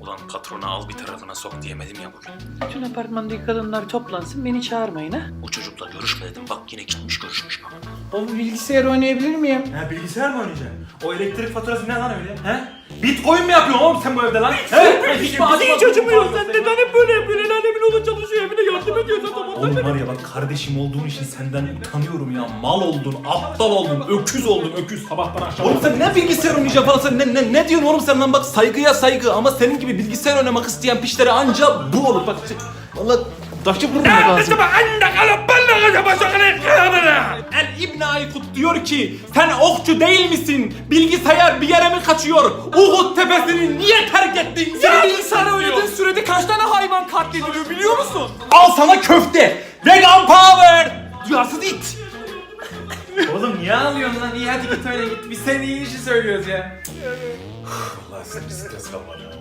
Ulan patrona al bir tarafına sok diyemedim ya bugün. Bütün apartmandaki kadınlar toplansın, beni çağırmayın ha. O çocukla görüşme dedim, bak yine gitmiş görüşmüş baba. Oğlum bilgisayar oynayabilir miyim? Ha, bilgisayar mı oynayacaksın? O elektrik faturası ne lan öyle? He? Bitcoin mi yapıyorsun oğlum sen bu evde lan? He? Hiç acımıyor. Sen neden hep böyle yapıyorsun? El alemin oğlu çalışıyor, evine yardım ediyorsun. Oğlum var ya bak, kardeşim olduğun için senden utanıyorum ya. Mal oldun, aptal oldun, öküz oldun, öküz. Sabahtan akşama. Oğlum sen ne bilgisayar oynayacaksın falan, sen ne diyorsun oğlum sen lan? Bak saygıya saygı, ama senin gibi bilgisayar oynamak isteyen piçlere anca bu olur. Bak vallahi taşı vururum lazım. El İbn Aykut diyor ki, sen okçu değil misin? Bilgisayar bir yere mi kaçıyor? Uhud tepesini niye terk ettin? Sen bilgisayar oynadığın sürede kaç tane hayvan katlediliyor biliyor musun? Al sana köfte! Vegan power! Duyarsız it! Oğlum niye ağlıyorsun lan? İyi hadi git öyle git. Biz senin iyi işi söylüyoruz ya. Allah sen bir stres kalmadı.